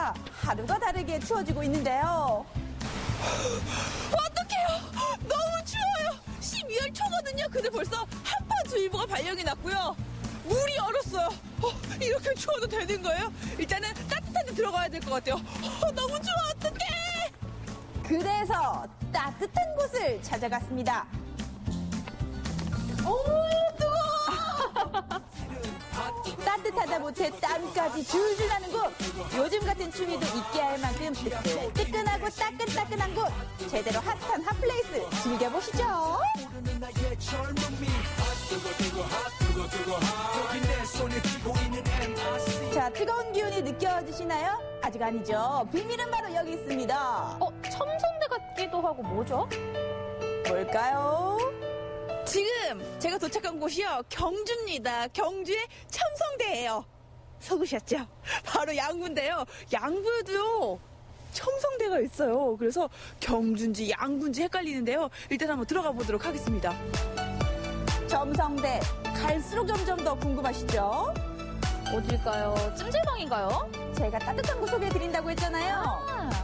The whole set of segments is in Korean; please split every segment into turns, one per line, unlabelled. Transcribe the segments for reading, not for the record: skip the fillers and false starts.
날씨가 하루가 다르게 추워지고 있는데요.
어떡해요! 너무 추워요! 12월 초거든요. 근데 벌써 한파주의보가 발령이 났고요. 물이 얼었어요. 이렇게 추워도 되는 거예요? 일단은 따뜻한 데 들어가야 될 것 같아요. 너무 추워, 어떡해!
그래서 따뜻한 곳을 찾아갔습니다.
오, 뜨거워!
따뜻하다 못해 땀까지 줄줄 나는 곳. 요즘 같은 추위도 있게 할 만큼 뜨끈하고 따끈따끈한 곳. 제대로 핫한 핫플레이스 즐겨보시죠. 자, 뜨거운 기운이 느껴지시나요? 아직 아니죠. 비밀은 바로 여기 있습니다.
첨성대 같기도 하고 뭐죠?
뭘까요?
지금 제가 도착한 곳이요. 경주입니다. 경주의 첨성대예요. 속으셨죠? 바로 양구인데요. 양구에도요. 첨성대가 있어요. 그래서 경주인지 양구인지 헷갈리는데요. 일단 한번 들어가 보도록 하겠습니다.
첨성대 갈수록 점점 더 궁금하시죠?
어딜까요? 찜질방인가요?
제가 따뜻한 곳 소개해드린다고 했잖아요.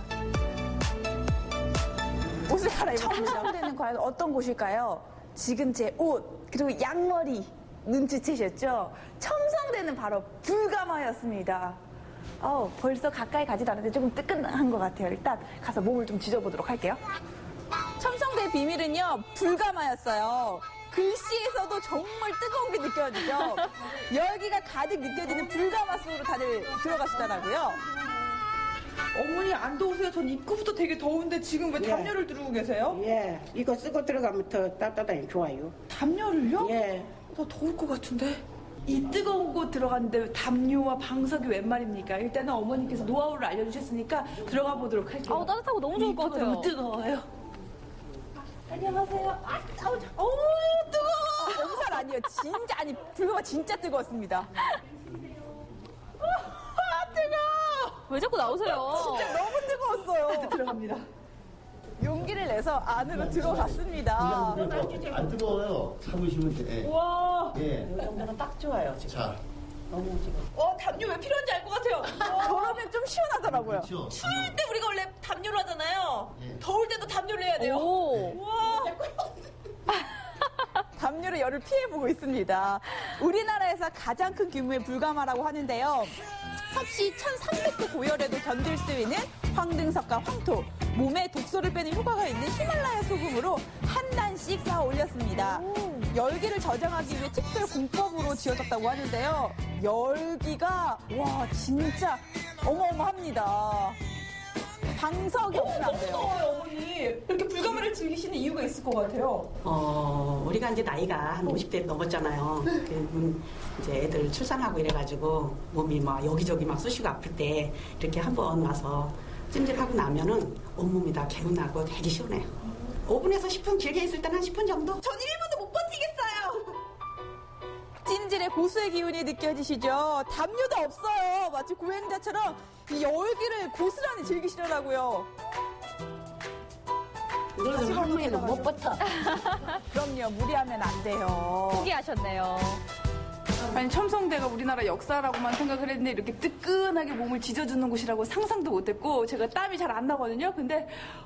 옷을 갈아입었습니다. 첨성대는 과연 어떤 곳일까요? 지금 제 옷, 그리고 양머리 눈치채셨죠? 첨성대는 바로 불가마였습니다. 벌써 가까이 가지도 않는데 조금 뜨끈한 것 같아요. 일단 가서 몸을 좀 지져보도록 할게요. 첨성대의 비밀은요, 불가마였어요. 글씨에서도 정말 뜨거운 게 느껴지죠? 열기가 가득 느껴지는 불가마 속으로 다들 들어가시더라고요.
어머니 안 더우세요? 전 입구부터 되게 더운데 지금 왜 담요를 두르고 계세요?
예, 이거 쓰고 들어가면 더 따뜻하니 좋아요.
담요를요?
예.
나 더울 것 같은데. 이 뜨거운 곳 들어갔는데 담요와 방석이 웬 말입니까? 일단은 어머니께서 노하우를 알려주셨으니까 들어가 보도록 할게요.
따뜻하고 너무 좋을 것
입구가
같아요.
너무 뜨거워요. 안녕하세요. 뜨거워.
엄살 아니에요. 진짜, 아니, 불가마 진짜 뜨거웠습니다.
뜨거워.
왜 자꾸 나오세요?
진짜 너무 뜨거웠어요.
들어갑니다.
용기를 내서 안으로 들어갔습니다.
안 뜨거워요. 참으시면 돼.
와.
예.
이 정도는 딱 좋아요, 지금.
자,
너무 지금.
담요 왜 필요한지 알 것 같아요.
저러면 좀 시원하더라고요.
그렇죠.
추울 때 우리가 원래 담요를 하잖아요.
예.
더울 때도 담요를 해야 돼요.
오.
와.
담요로 열을 피해보고 있습니다. 우리나라에서 가장 큰 규모의 불가마라고 하는데요. 섭씨 1300도 고열에도 견딜 수 있는 황등석과 황토, 몸에 독소를 빼는 효과가 있는 히말라야 소금으로 한 단씩 쌓아 올렸습니다. 열기를 저장하기 위해 특별 공법으로 지어졌다고 하는데요. 열기가 와 진짜 어마어마합니다. 방석이 없으면 안 돼요.
더워요, 어머니. 이렇게 불가마를 즐기시는 이유가 있을 것 같아요.
우리가 이제 나이가 한 50대 넘었잖아요. 이제 애들 출산하고 이래가지고 몸이 막 여기저기 막 쑤시고 아플 때 이렇게 한번 와서 찜질하고 나면은 온몸이 다 개운하고 되게 시원해요. 5분에서 10분, 길게 있을 때는 한 10분 정도?
전 1분도 못 버티겠어요.
찜질의 고수의 기운이 느껴지시죠? 담요도 없어요. 마치 고행자처럼 이 열기를 고스란히 즐기시더라고요.
이거는 한 번에는 못 버텨.
그럼요, 무리하면 안 돼요.
포기하셨네요.
아니 첨성대가 우리나라 역사라고만 생각을 했는데 이렇게 뜨끈하게 몸을 지져주는 곳이라고 상상도 못했고 제가 땀이 잘 안 나거든요. 근데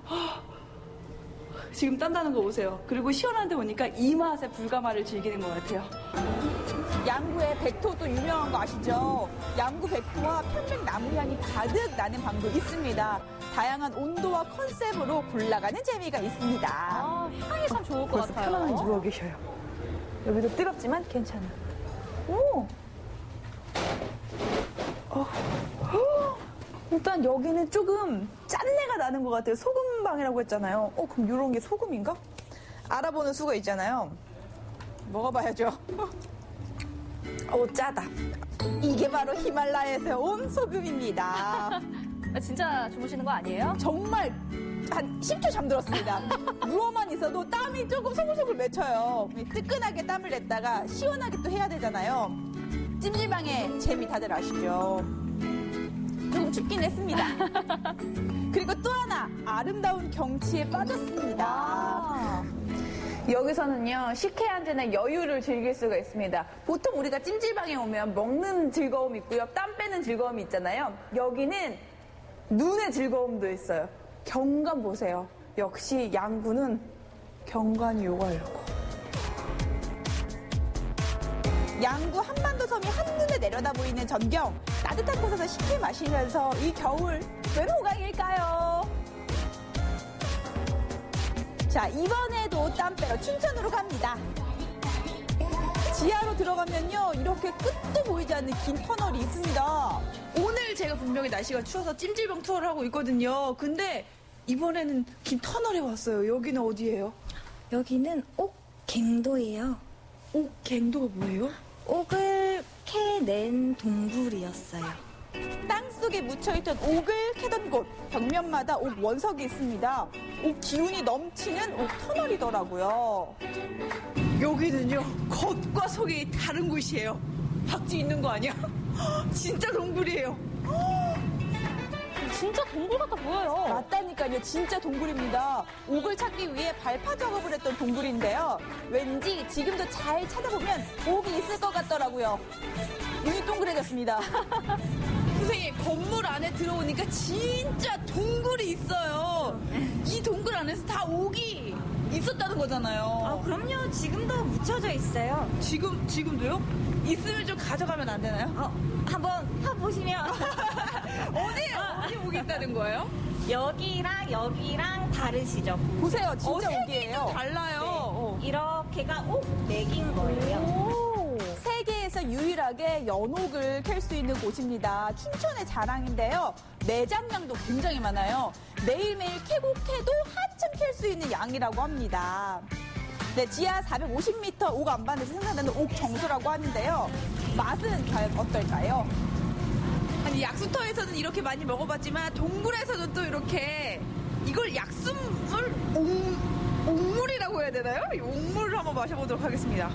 지금 딴다는 거 보세요. 그리고 시원한 데 오니까 이 맛에 불가마를 즐기는 것 같아요.
양구의 백토도 유명한 거 아시죠? 양구 백토와 편백나무 향이 가득 나는 방도 있습니다. 다양한 온도와 컨셉으로 골라가는 재미가 있습니다.
향이 참 좋을 것
벌써
같아요.
편안하게 누워 계셔요. 여기도 뜨겁지만 괜찮아. 오! 일단 여기는 조금 짠내가 나는 것 같아요. 소금방이라고 했잖아요. 그럼 이런 게 소금인가? 알아보는 수가 있잖아요. 먹어봐야죠. 짜다. 이게 바로 히말라야에서 온 소금입니다.
진짜 주무시는 거 아니에요?
정말 한 10초 잠들었습니다. 누워만 있어도 땀이 조금 소글소글 맺혀요. 뜨끈하게 땀을 냈다가 시원하게 또 해야 되잖아요. 찜질방의 재미 다들 아시죠? 조금 춥긴 했습니다. 그리고 또 하나 아름다운 경치에 빠졌습니다. 여기서는요, 식혜 한 잔의 여유를 즐길 수가 있습니다. 보통 우리가 찜질방에 오면 먹는 즐거움이 있고요, 땀 빼는 즐거움이 있잖아요. 여기는 눈의 즐거움도 있어요. 경관 보세요. 역시 양구는 경관이 요가려고. 양구 한반도 섬이 한눈에 내려다 보이는 전경. 따뜻한 곳에서 식혜 마시면서 이 겨울 웬 호강일까요? 자, 이번에도 땀 빼러 춘천으로 갑니다. 지하로 들어가면요, 이렇게 끝도 보이지 않는 긴 터널이 있습니다.
오늘 제가 분명히 날씨가 추워서 찜질방 투어를 하고 있거든요. 근데 이번에는 긴 터널에 왔어요. 여기는 어디예요?
여기는 옥갱도예요.
갱도가 뭐예요?
옥을 캐낸 동굴이었어요.
땅속에 묻혀있던 옥을 캐던 곳, 벽면마다 옥 원석이 있습니다. 옥 기운이 넘치는 옥 터널이더라고요.
여기는요, 겉과 속이 다른 곳이에요. 박쥐 있는 거 아니야? 진짜 동굴이에요.
진짜 동굴 같아 보여요.
맞다니까요. 진짜 동굴입니다. 옥을 찾기 위해 발파 작업을 했던 동굴인데요. 왠지 지금도 잘 찾아보면 옥이 있을 것 같더라고요. 눈이 동그래졌습니다.
선생님, 건물 안에 들어오니까 진짜 동굴이 있어요. 이 동굴 안에서 다 옥이 있었다는 거잖아요.
그럼요. 지금도 묻혀져 있어요.
지금도요? 있으면 좀 가져가면 안 되나요?
한번 타보시면
어디 옥이 있다는 거예요?
여기랑 다르시죠?
보세요. 진짜
색이
옥이에요.
달라요.
이렇게가 옥 4개인 거예요.
세계에서 유일하게 연옥을 캘 수 있는 곳입니다. 춘천의 자랑인데요. 매장량도 굉장히 많아요. 매일매일 캐고 캐도 한참 캘 수 있는 양이라고 합니다. 네, 지하 450m 옥 안반에서 생산되는 옥 정수라고 하는데요. 맛은 과연 어떨까요?
아니, 약수터에서는 이렇게 많이 먹어봤지만 동굴에서는 또 이렇게 이걸 약수물 옥물이라고 해야 되나요? 이 옥물을 한번 마셔보도록 하겠습니다.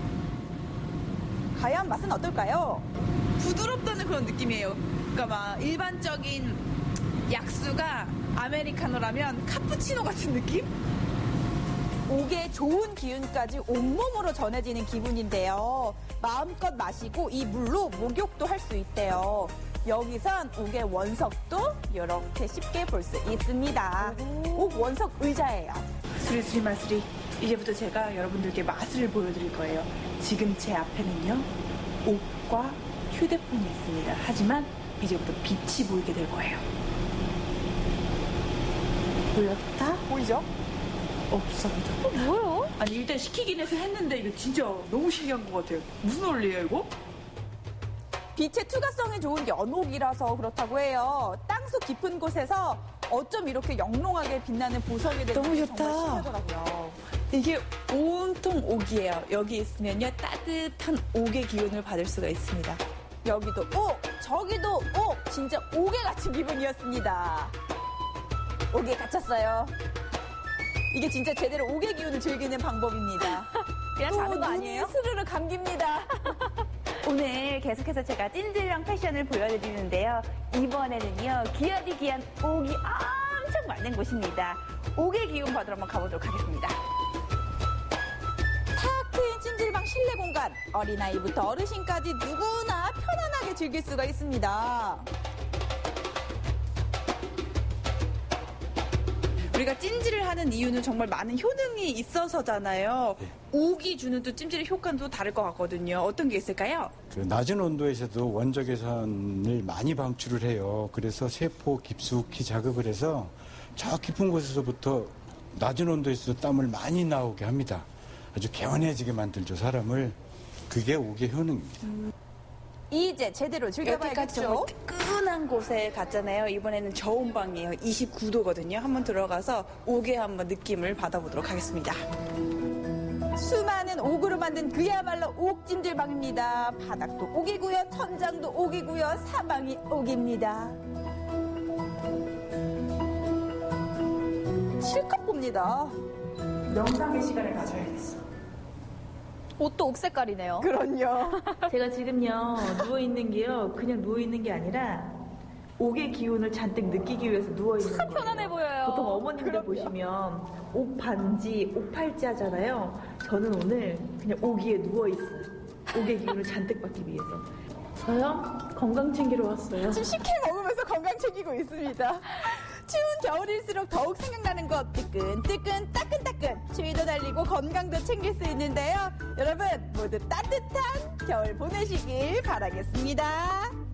과연 맛은 어떨까요?
부드럽다는 그런 느낌이에요. 그러니까 막 일반적인 약수가 아메리카노라면 카푸치노 같은 느낌?
옥의 좋은 기운까지 온몸으로 전해지는 기분인데요. 마음껏 마시고 이 물로 목욕도 할 수 있대요. 여기선 옥의 원석도 이렇게 쉽게 볼 수 있습니다. 옥 원석 의자예요.
수리수리 마수리. 이제부터 제가 여러분들께 맛을 보여드릴 거예요. 지금 제 앞에는요, 옥과 휴대폰이 있습니다. 하지만 이제부터 빛이 보이게 될 거예요. 보였다?
보이죠?
없어요.
뭐예요?
아니, 일단 시키긴 해서 했는데 이거 진짜 너무 신기한 것 같아요. 무슨 원리예요, 이거?
빛의 투과성이 좋은 연옥이라서 그렇다고 해요. 땅속 깊은 곳에서 어쩜 이렇게 영롱하게 빛나는 보석이 되는지
너무 좋다.
정말 신기하더라고요.
이게 온통 옥이에요. 여기 있으면요, 따뜻한 옥의 기운을 받을 수가 있습니다.
여기도 옥, 저기도 옥, 진짜 옥에 갇힌 기분이었습니다. 옥에 갇혔어요. 이게 진짜 제대로 옥의 기운을 즐기는 방법입니다.
그냥 자는 거
눈이
아니에요?
스르르 감깁니다.
오늘 계속해서 제가 찜질방 패션을 보여드리는데요. 이번에는요, 귀하디 귀한 옥이 엄청 많은 곳입니다. 옥의 기운 받으러 한번 가보도록 하겠습니다.
탁 트인 찜질방 실내 공간. 어린아이부터 어르신까지 누구나 편안하게 즐길 수가 있습니다.
우리가 찜질을 하는 이유는 정말 많은 효능이 있어서잖아요. 옥이 주는 또 찜질의 효과는 또 다를 것 같거든요. 어떤 게 있을까요?
그 낮은 온도에서도 원적외선을 많이 방출을 해요. 그래서 세포 깊숙이 자극을 해서 저 깊은 곳에서부터 낮은 온도에서 땀을 많이 나오게 합니다. 아주 개운해지게 만들죠, 사람을. 그게 옥의 효능입니다.
이제 제대로
여태까지
즐겨봐야겠죠?
정말 뜨끈한 곳에 갔잖아요. 이번에는 저온 방이에요. 29도거든요. 한번 들어가서 옥의 한번 느낌을 받아보도록 하겠습니다.
수많은 옥으로 만든 그야말로 옥찜질방입니다. 바닥도 옥이고요, 천장도 옥이고요, 사방이 옥입니다. 실컷 봅니다.
명상의 시간을 가져야겠어.
옷도 옥 색깔이네요.
그럼요.
제가 지금요, 누워있는 게요, 그냥 누워있는 게 아니라 옥의 기운을 잔뜩 느끼기 위해서 누워있는 거예요.
편안해 보여요.
보통 어머님들 보시면 옥 반지, 옥 팔찌 하잖아요. 저는 오늘 그냥 옥 위에 누워있어요. 옥의 기운을 잔뜩 받기 위해서. 저요?
건강 챙기러 왔어요.
지금 식혜 먹으면서 건강 챙기고 있습니다. 추운 겨울일수록 더욱 생각나는 것 뜨끈뜨끈 따끈따끈 추위도 달리고 건강도 챙길 수 있는데요. 여러분 모두 따뜻한 겨울 보내시길 바라겠습니다.